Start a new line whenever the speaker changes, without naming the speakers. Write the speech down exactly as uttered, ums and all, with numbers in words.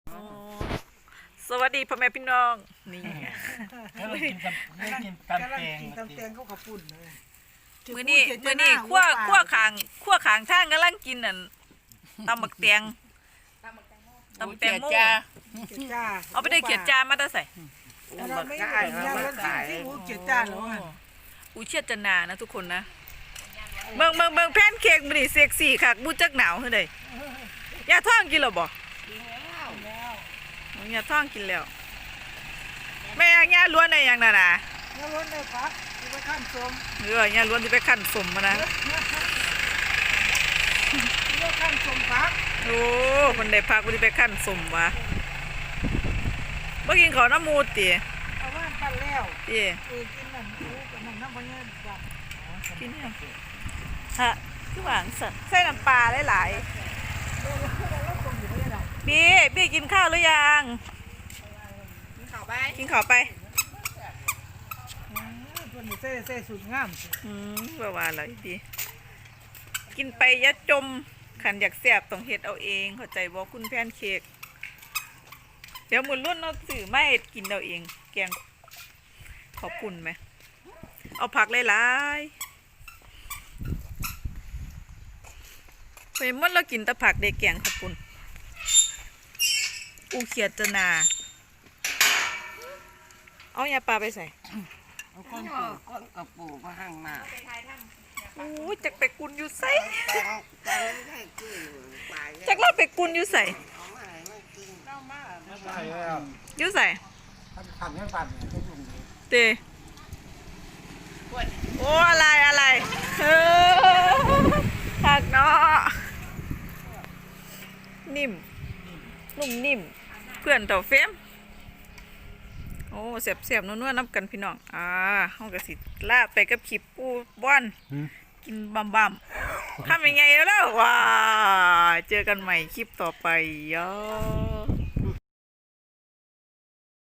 สวัสดีพ่อแม่พี่น้องนี่
แล้วเรากินตำไม่กินตำแตง
ตำแตงเขาขับปุ่นเลย
มื้อนี้มื้อนี้ขั้วขั้วขางขั้วขางทางกำลังกินอันตำบักแตงตำแตงโม
จ้า
เอาไปได้เขียดจานมาได้ใส่
เราไม่ได้เราไม่ได้ที่หูเกียรจ้าหรอ
อูเชียดจะนานะทุกคนนะเบิ่งเบิ่งเบิ่งแพนเค้กมื้อนี้เซ็กซี่คักบูจักหนาวเฮ้ยเด้ยาท้องกินแล้วบ่ยาท้องกินแล้วแม่ยาล้วนได้ยังน่ะนะ
เนื้อล้วนได้พักที่ไปขั้นสม
เออยาล้วนที่ไปคั่นสมมานะ
ที่ไปขั้นสมพัก
โอ้คนได้พักบ่ได้ไปคั่นสมวะบ่กินข้าวน้ำมูดติ
เอาว่านปั้นแล้ว
ติ
เออกินนั่นโอ้กับนั่นน้ำพะเงินแบบ
กินยังฮะคือหวานสัตว์ใส่น้ำปลาหลาย
เออแล้วคงอยู่ไม่ได้
ๆบี้บี้กินข้าวหรือยัง
กินข้าวไป
กินข้าวไป
คนอยู่เซ่เซ่สุดงาม
อืมว่าว่าอะไรดีกินไปอย่าจมขันอยากแซ่บต้องเฮ็ดเอาเองเข้าใจบ่คุณแพนเค้กเดี๋ยวมื้อรุ่นเอาซื้อมาเฮ็ดกินเอาเอง แกงขอบคุณไหมเอาผักหลายๆไปมันเรากินแต่ผักได้แกงขอบคุณอูเขียดจะนาเอายาปลาไปใส่
คนปลูกคนกับปลูกมาห่างมา
โอ้ยจักไปกุนอยู่ใส่
แต่แต่ไม่ใช่คือปลาย
จักเราไปกุนอยู่ใส่
เอามาให้มันกิน
เก้ามา
ไม่ใช่แล้ว
อยู่ใส่
ปั่นไม่ปั่นเนี่ยเป็นอย่างนี้
เตโอ้อะไรอะไรเออหักเนาะนิ่มนุ่มนิ่มเพื่อนเต่าเฟมโอ้เสียบเสียบนัวๆนับกันพี่น้องอ่าห้องกระสิลาไปกับขีบปูบอนกินบัมบัมทำยังไงแล้วล่ะว้าเจอกันใหม่คลิปต่อไปย่อ